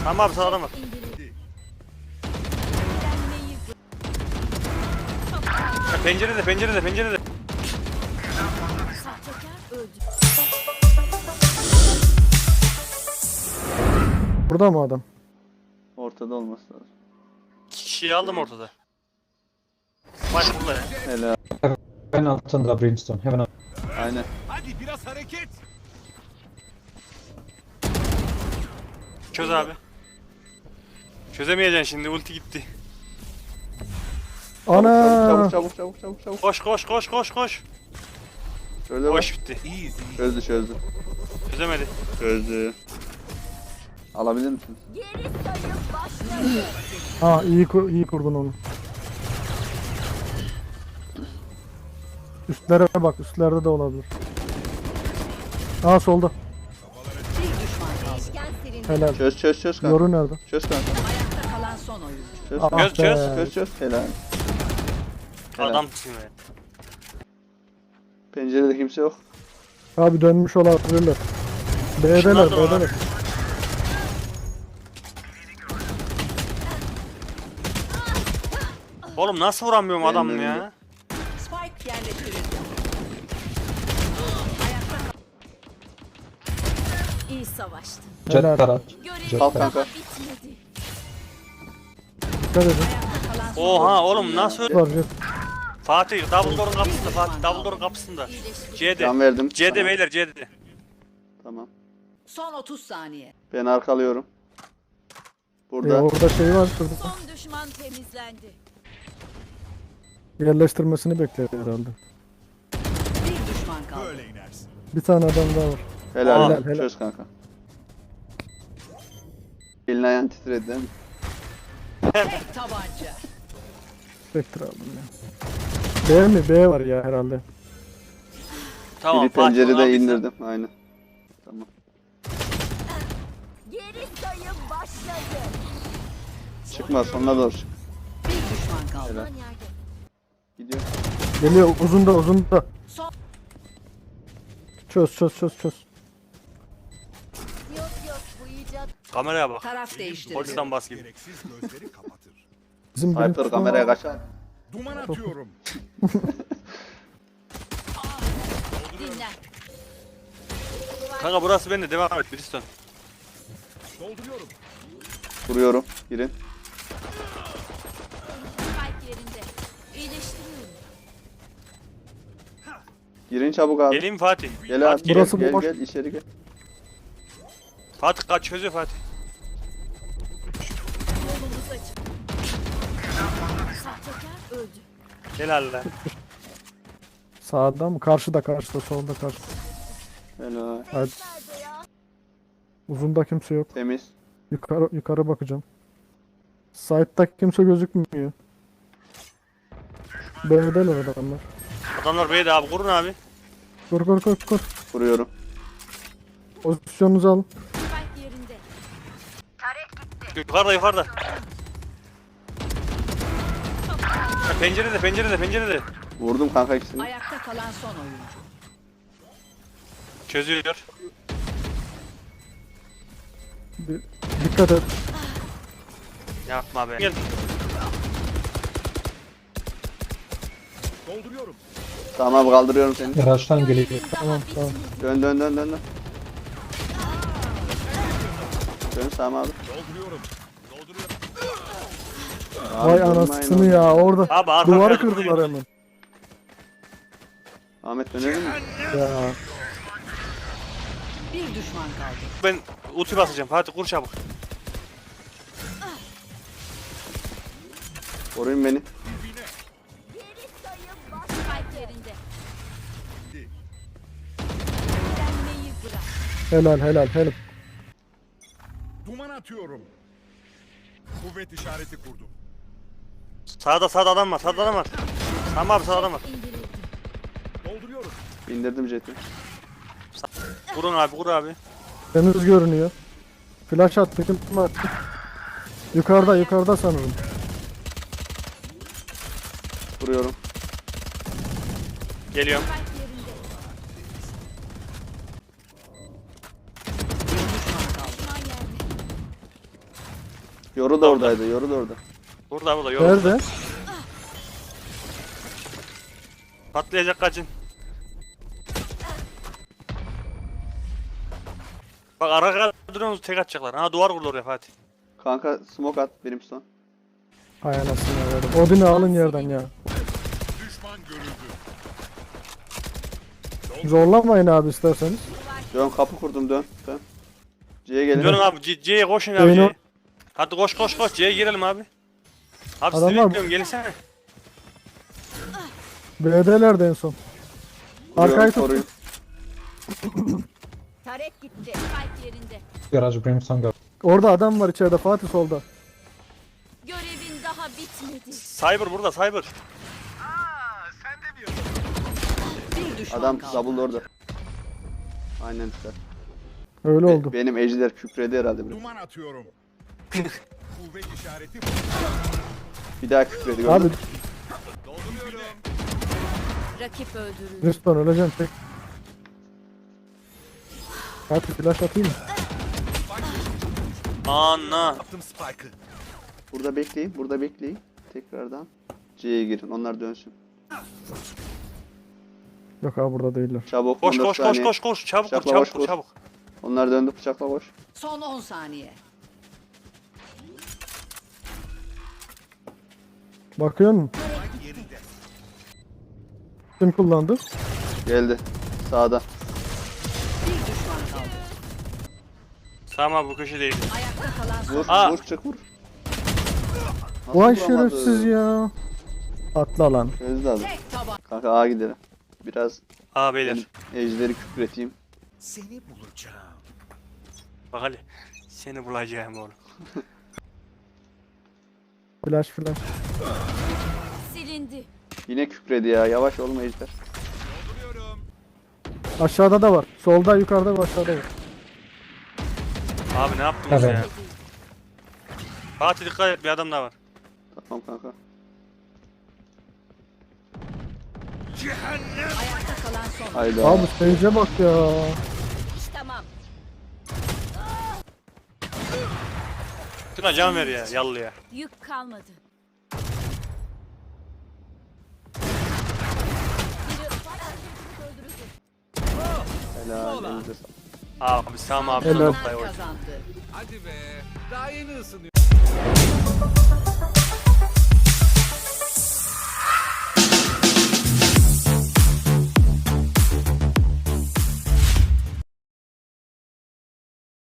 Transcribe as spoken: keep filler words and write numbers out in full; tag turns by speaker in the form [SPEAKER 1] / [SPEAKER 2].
[SPEAKER 1] Tamam abi sağdan bak. Ya pencerede pencerede pencerede.
[SPEAKER 2] Burada mı adam?
[SPEAKER 3] Ortada olması lazım.
[SPEAKER 1] İki kişiyi aldım ortada. Bak burada ya.
[SPEAKER 3] Helal.
[SPEAKER 4] Hemen altında Brimstone. Hemen alt-
[SPEAKER 3] Aynen.
[SPEAKER 5] Hadi biraz hareket.
[SPEAKER 1] Çöz abi. Çözemeyeceksin şimdi, ulti gitti.
[SPEAKER 2] Ana!
[SPEAKER 3] Çabuk çabuk çabuk çabuk çabuk.
[SPEAKER 1] Koş koş koş koş koş.
[SPEAKER 3] Şöyle bak.
[SPEAKER 1] Koş bitti.
[SPEAKER 5] İyiyiz iyi.
[SPEAKER 3] Çözdü çözdü.
[SPEAKER 1] Çözemedi.
[SPEAKER 3] Çözdü. Alabilir misin?
[SPEAKER 6] Geri sayım başladı.
[SPEAKER 2] Ha iyi kur iyi kurdun onu. Üstlere bak, üstlerde de olabilir. Aa solda.
[SPEAKER 6] Değişken silindi.
[SPEAKER 2] Helal.
[SPEAKER 3] Çöz çöz çöz kanka.
[SPEAKER 2] Yoru nerede?
[SPEAKER 3] Çöz kanka.
[SPEAKER 6] Ayakta kalan son oyuncu.
[SPEAKER 3] Çöz
[SPEAKER 2] Ah
[SPEAKER 3] kanka.
[SPEAKER 1] Çöz, çöz.
[SPEAKER 2] be.
[SPEAKER 3] Çöz çöz. Helal. Helal.
[SPEAKER 1] Adamsın be.
[SPEAKER 3] Pencerede kimse yok.
[SPEAKER 2] Abi dönmüş olabilirler. B'deler,
[SPEAKER 1] Şunlar da var.
[SPEAKER 2] B'deler.
[SPEAKER 1] Oğlum nasıl vuramıyorum
[SPEAKER 3] Benim
[SPEAKER 1] adamı
[SPEAKER 3] önümde.
[SPEAKER 1] ya?
[SPEAKER 6] Spike yerleştirildi. Ayakta kal. İyi savaştın.
[SPEAKER 4] Jet
[SPEAKER 2] Helal.
[SPEAKER 4] taraf.
[SPEAKER 6] Görev
[SPEAKER 4] Jet
[SPEAKER 3] Al
[SPEAKER 6] daha
[SPEAKER 3] kanka.
[SPEAKER 6] bitmedi.
[SPEAKER 2] Dikkat edin.
[SPEAKER 6] Ayakta kalan son
[SPEAKER 1] Oha oğlum nasıl?
[SPEAKER 2] Var jet.
[SPEAKER 1] Fatih Dumbledore'un kapısında, Fatih Dumbledore'un kapısında. C'de.
[SPEAKER 3] Can verdim.
[SPEAKER 1] C'de
[SPEAKER 3] Tamam.
[SPEAKER 1] beyler C'de.
[SPEAKER 3] Tamam.
[SPEAKER 6] Son otuz saniye.
[SPEAKER 3] Ben arkalıyorum.
[SPEAKER 2] Ee,
[SPEAKER 3] Burada.
[SPEAKER 2] orada şey var şurada.
[SPEAKER 6] Son düşman temizlendi.
[SPEAKER 2] Yerleştirmesini bekliyor herhalde.
[SPEAKER 6] Bir düşman kaldı.
[SPEAKER 5] Böyle inersin.
[SPEAKER 2] Bir tane adam daha var.
[SPEAKER 3] Helal.
[SPEAKER 2] Helal, helal.
[SPEAKER 3] Çöz kanka. Elin ayağın titredi değil mi?
[SPEAKER 6] Tek tabanca.
[SPEAKER 2] Spectre aldım ya. B mi? B var ya herhalde.
[SPEAKER 1] Tamam
[SPEAKER 3] Biri
[SPEAKER 1] Fatih onu
[SPEAKER 3] pencerede
[SPEAKER 1] aldıysan.
[SPEAKER 3] indirdim. Aynen. Tamam.
[SPEAKER 6] Geri sayım başladı.
[SPEAKER 3] Çıkma sonuna doğru çık.
[SPEAKER 6] Bir düşman kaldı.
[SPEAKER 3] Helal. Gidiyor.
[SPEAKER 2] Geliyor uzunda uzunda.
[SPEAKER 6] Son.
[SPEAKER 2] Çöz çöz çöz çöz.
[SPEAKER 6] Yok yok bu icat.
[SPEAKER 1] Kameraya bak.
[SPEAKER 6] Taraf değiştirdi.
[SPEAKER 1] Polisten bas gibi.
[SPEAKER 5] Gereksiz gözleri kapatır.
[SPEAKER 2] Bizim benim
[SPEAKER 3] Hyper kameraya kaçar.
[SPEAKER 5] Duman atıyorum.
[SPEAKER 6] Dinlen.
[SPEAKER 1] Kanka burası bende, devam et Briston.
[SPEAKER 5] Dolduruyorum.
[SPEAKER 3] Vuruyorum. Girin.
[SPEAKER 6] Spike yerinde. İyileştiriyorum.
[SPEAKER 3] Girin çabuk abi.
[SPEAKER 1] Geleyim mi Fatih?
[SPEAKER 3] Gel abi.
[SPEAKER 1] Fatih,
[SPEAKER 2] Burası
[SPEAKER 3] gel,
[SPEAKER 2] boş.
[SPEAKER 3] gel, gel içeri gel.
[SPEAKER 1] Fatih kaç çözüyor Fatih.
[SPEAKER 6] Yolumuz açık. Sahtekar öldü.
[SPEAKER 1] Helal lan.
[SPEAKER 2] Sağda mı? Karşıda karşıda solda karşıda.
[SPEAKER 3] Helal.
[SPEAKER 2] Hadi.
[SPEAKER 6] Nerede ya?
[SPEAKER 2] Uzunda kimse yok.
[SPEAKER 3] Temiz.
[SPEAKER 2] Yukarı yukarı bakacağım. Site'da kimse gözükmüyor. B'deler adamlar.
[SPEAKER 1] Adamlar B'de abi, kurun abi.
[SPEAKER 2] Kur kur kur kur.
[SPEAKER 3] Vuruyorum.
[SPEAKER 2] Pozisyonunuzu alın.
[SPEAKER 6] Spike yerinde.
[SPEAKER 1] Yukarıda yukarıda. Ya pencerede pencerede pencerede.
[SPEAKER 3] Vurdum kanka ikisini.
[SPEAKER 6] Ayakta kalan son oyuncu.
[SPEAKER 1] Çözüyor.
[SPEAKER 2] Bir, dikkat et.
[SPEAKER 1] Yapma be. Gel.
[SPEAKER 5] Dolduruyorum.
[SPEAKER 3] Tamam kaldırıyorum seni.
[SPEAKER 4] Araçtan geliyor.
[SPEAKER 2] Tamam tamam.
[SPEAKER 3] Dön dön dön dön dön. Dön Sami abi.
[SPEAKER 5] Dolduruyorum. Dolduruyorum.
[SPEAKER 3] Abi,
[SPEAKER 2] Vay
[SPEAKER 3] durmayın
[SPEAKER 2] anasını
[SPEAKER 3] oğlum.
[SPEAKER 2] ya orada.
[SPEAKER 1] Abi arka
[SPEAKER 2] Duvarı
[SPEAKER 1] arkaya
[SPEAKER 2] kırdılar hemen.
[SPEAKER 3] Ahmet dönelim mi?
[SPEAKER 2] Ya
[SPEAKER 6] Bir düşman kaldı.
[SPEAKER 1] Ben ulti basacağım. Fatih kur çabuk.
[SPEAKER 3] Koruyun beni.
[SPEAKER 6] Geri sayım baş. Spike yerinde. Öğrenmeyi bırak.
[SPEAKER 2] helal helal helal.
[SPEAKER 5] Duman atıyorum. Kuvvet işareti kurdum.
[SPEAKER 1] Sağda sağda adam var. Sağda adam var. Tamam abi, sağda adam var.
[SPEAKER 6] İndirildi.
[SPEAKER 5] Dolduruyorum.
[SPEAKER 3] İndirdim jeti.
[SPEAKER 1] Kurun abi, kur abi.
[SPEAKER 2] Temiz görünüyor. Flash attı kim attı? Yukarıda yukarıda sanırım.
[SPEAKER 3] Vuruyorum.
[SPEAKER 1] Geliyorum.
[SPEAKER 6] Spike yerinde. Bir düşman kaldı. Düşman yerde.
[SPEAKER 3] Yoru da oradaydı. Yoru da orada.
[SPEAKER 1] Burada burada yol.
[SPEAKER 2] Nerede?
[SPEAKER 1] Patlayacak kaçın. Bak ara duruyorsunuz tek atacaklar. Ha duvar kurdu oraya Fatih.
[SPEAKER 3] Kanka smoke at benim son.
[SPEAKER 2] Hay anasını verdim. Odin'i alın yerden ya.
[SPEAKER 5] Düşman görüldü.
[SPEAKER 2] Zorlamayın abi isterseniz.
[SPEAKER 3] Dön kapı kurdum dön. Dön. C'ye gelin.
[SPEAKER 1] Dönün abi C- C'ye koşun abi
[SPEAKER 2] Oyunu-
[SPEAKER 1] C'ye. Hadi koş koş koş C'ye girelim abi. Abi sizi
[SPEAKER 2] Adamlar-
[SPEAKER 1] bekliyorum gelsene.
[SPEAKER 2] B'delerdi en son. Arkayı
[SPEAKER 3] Koruyun,
[SPEAKER 2] tut.
[SPEAKER 3] koruyun.
[SPEAKER 6] Tarek gitti. Spike yerinde.
[SPEAKER 4] Garage Brimstone garage.
[SPEAKER 2] Orada adam var içeride Fatih solda.
[SPEAKER 6] Görevin daha bitmedi.
[SPEAKER 1] Cyber burada Cyber.
[SPEAKER 6] Bir düşman
[SPEAKER 3] Adam
[SPEAKER 6] kaldı.
[SPEAKER 3] double orada. Aynen güzel.
[SPEAKER 2] Öyle
[SPEAKER 3] Be-
[SPEAKER 2] oldu.
[SPEAKER 3] benim ejder kükredi herhalde biraz.
[SPEAKER 5] Duman atıyorum. Kuvvet işareti
[SPEAKER 3] Bir daha kükredi gördün.
[SPEAKER 2] Abi
[SPEAKER 5] dolduruyorum.
[SPEAKER 6] Rakip öldürüldü.
[SPEAKER 2] Riston öleceksin tek. Fatih flash atayım mı?
[SPEAKER 1] Anna.
[SPEAKER 5] Attım Spike'ı.
[SPEAKER 3] Burada bekleyin. Burada bekleyin. Tekrardan C'ye girin. Onlar dönsün.
[SPEAKER 2] Yok abi burada değiller.
[SPEAKER 3] Çabuk.
[SPEAKER 1] Koş
[SPEAKER 3] on dört
[SPEAKER 1] koş koş
[SPEAKER 3] saniye.
[SPEAKER 1] koş koş çabuk vur
[SPEAKER 3] Bıçakla
[SPEAKER 1] çabuk
[SPEAKER 3] koş,
[SPEAKER 1] vur
[SPEAKER 3] koş.
[SPEAKER 1] çabuk.
[SPEAKER 3] Onlar döndü bıçakla koş.
[SPEAKER 6] Son on saniye.
[SPEAKER 2] Bakıyor musun?
[SPEAKER 5] Yerinde.
[SPEAKER 2] Kim kullandı?
[SPEAKER 3] Geldi. Sağda.
[SPEAKER 6] Bir düşman kaldı.
[SPEAKER 1] Tamam abi bu köşe değil.
[SPEAKER 6] Ayakta kalan son.
[SPEAKER 3] Vur
[SPEAKER 1] Aa.
[SPEAKER 3] vur çık vur. Nasıl
[SPEAKER 2] Vay
[SPEAKER 3] vuramadı?
[SPEAKER 2] şerefsiz ya. Atla lan.
[SPEAKER 3] Çözdü adam.
[SPEAKER 6] Tek taban.
[SPEAKER 3] Kanka A gidelim. Biraz
[SPEAKER 1] Aa beyler.
[SPEAKER 3] benim ejderi kükreteyim.
[SPEAKER 5] Seni bulacağım.
[SPEAKER 1] Bak Ali. Seni bulacağım oğlum.
[SPEAKER 2] Flash flash.
[SPEAKER 6] Silindi.
[SPEAKER 3] Yine kükredi ya. Yavaş olma ejder.
[SPEAKER 5] Dolduruyorum.
[SPEAKER 2] Aşağıda da var. Solda yukarıda var aşağıda var.
[SPEAKER 1] Abi ne yaptınız
[SPEAKER 4] Evet.
[SPEAKER 1] ya? Fatih dikkat et bir adam daha var.
[SPEAKER 3] Tamam kanka.
[SPEAKER 5] Cehennem.
[SPEAKER 6] Ayakta kalan son.
[SPEAKER 3] Hayda.
[SPEAKER 2] Abi Sage'e bak ya.
[SPEAKER 6] İş tamam.
[SPEAKER 1] Tuna can ver ya yallı ya.
[SPEAKER 6] Yük kalmadı. Biri öldürüldü.
[SPEAKER 3] Helal. Elinize sağlık.
[SPEAKER 1] Abi Sam abi.
[SPEAKER 2] Helal.
[SPEAKER 1] Helal.
[SPEAKER 6] Kazandı.
[SPEAKER 5] Hadi be. Daha yeni ısınıyor.